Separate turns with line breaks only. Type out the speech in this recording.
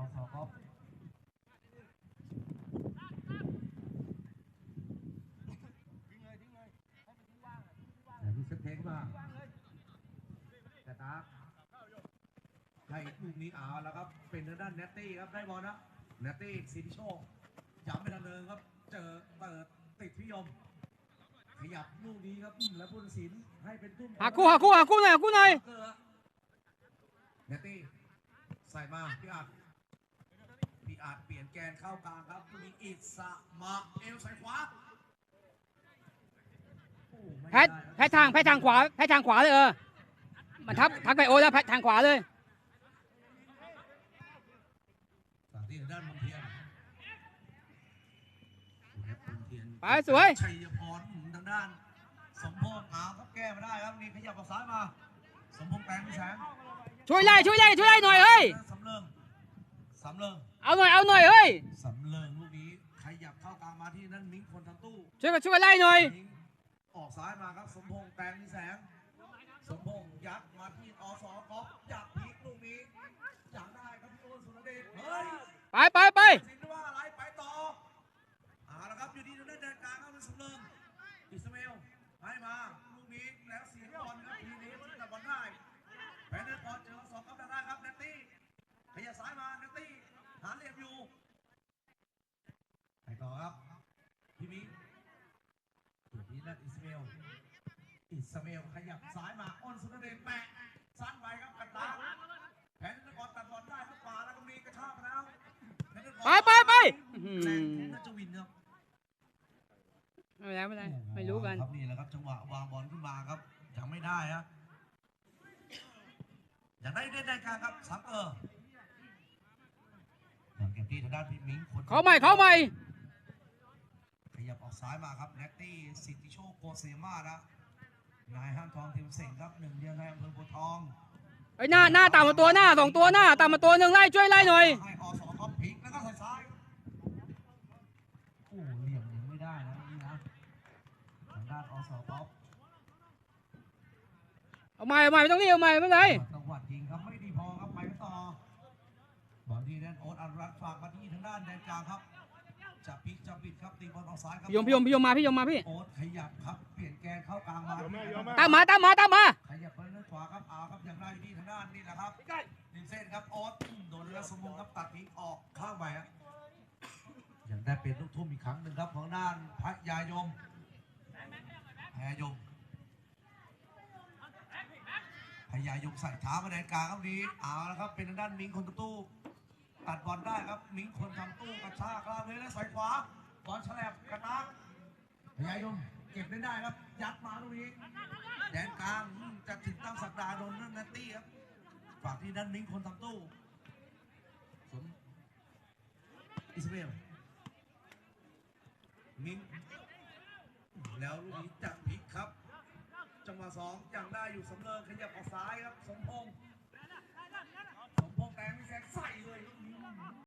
สก๊อฟแต่พิเศษเทคมาแต่ตาให้ลูกนี้เอาแล้วครับเป็นทางด้านเนตตี้ครับได้บอลนะเนตตี้สิทธิโชคย้ำไปทางเดิมครับเจอเปิดติดพิยมขยับลูกนี้ครับแล้วผู้ตัดสินให้เป็นตุ้ม
หาคู่หน่อย
เนตตี้ใส่มาพี่อาจเปลี่ยนแกนเข้ากลางครับมีอิสมาเอลใส่ขวา
แพ้ทางขวาเลยมันทักไปโอแล้วแพ้ทางขวาเลย
ฝั่งที่ทางด้านมนเทียน
ไปสวย
ชัยพรทางด้านสมพงษ์ครับแก้มาได้ครับนี่ขยับออกซ้ายมาสมพงษ์แปลงพี่แสง
ช่วยไล่หน่อยเฮ้ย
สำเริง
เอาหน่อยเฮ้ย
สำเริงลูกนี้ขยับเข้ากลางมาที่นั่นมิ้งคนทางตู้
ช่วยไล่หน่อย
ออกซ้ายมาครับสมพงษ์แปลงพี่แสงสมพงษ์ยัดมาที่อสก๊อฟจับพลิกลูกนี้จับได้ครับพี่โอนสุรเดชเฮ้ย
ไป
สินว่าอะไรไปต่อแล้วครับอยู่ที่ทางด้านแดนกลางครับเป็นสำเริงอิสมาเอลให้มาลูกนี้แล้วเสียบอลครับทีนี้ที่ตัดบอลได้แพนเดอร์บอลเจอสองครับได้ครับเนตตี้ขยับซ้ายมาเนตตี้หาเหลี่ยมอยู่ไปต่อครับพี่มิ้งตัวนี้นั่นอิสมาเอลขยับซ้ายมาอ้นสุนเดชแปะสั้นไปครับกันตาแพนเดอร์บอลตัดบอลได้ครับป่าแล้วก็มีกระชากมาแล้ว
ไป
น่าจะวินครับ
ไม่ได้ไม่รู้กัน
ครับนี่แหละครับจังหวะวางบอลขึ้นมาครับยังไม่ได้ฮะอย่างได้กลางครับซัมเกอร์อย่างเก็บที่ทางด้านพี่มิ้งคน
เข้าใหม่
ขยับออกซ้ายมาครับเนตตี้สิทธิโชคโกเซมานะนายห้างทองทีมเส่งครับหนึ่งเดียวในอำเภอโพธิ์ทอง
ไอ้หน้าตามมาตัวหน้า2ตัวหน้าตามมาตัวหนึ่งช่วยไล่หน่อย
ให้อสก๊อฟพลิกแล้วก็ใส่ซ้ายโอ้เหลี่ยมยังไม่ได้นะนี่นะทางด้านอสก๊อฟ
เอาใหม่ไม่ต้องรีบเอาใหม่ไม่เป็นไร
จังหวัดยิงครับไม่ดีพอครับไปต่อบอลที่แดนโอ๊ตอนุรักษ์ฝากมาที่ทางด้านแดนกลางครับจะพลิกจะบิดครับตีบอลออกซ้ายครับ
พี่ยมมาพี่
โอ๊ตขยับครับเปลี่ยนแกนเข้ากลางมา
ตามมา
ขยับไปด้านขวาครับครับอย่างไรที่ทางด้านนี่แหละครับริมเส้นครับโอ๊ตโดนแล้วสมองครับตัดทิ้งออกข้างไปครับอย่างได้เป็นลูกทุ่มอีกครั้งหนึ่งครับของด้านพระยายมพยายมใส่เท้ามาแดนกลางครับนี้แล้วครับเป็นทางด้านมิ้งคนตู้ตัดบอลได้ครับมิ้งคนทำตู้กระชากลากเลยและใส่ขวาบอลแฉลบกระตากพยายมเก็บได้ครับยัดมาตรงนี้แดนกลางจะถึงตั้งสัปดาห์โดนนั่นนัตตี้ครับฝากที่ด้านมิ้งคนทำตู้สมอิสมาเอลมิ้งแล้วลูกนี้จับพลิกครับจังหวะ2อย่างได้อยู่สำเริงขยับออกซ้ายครับสมพงษ์แตงไม่แซงใส่เลย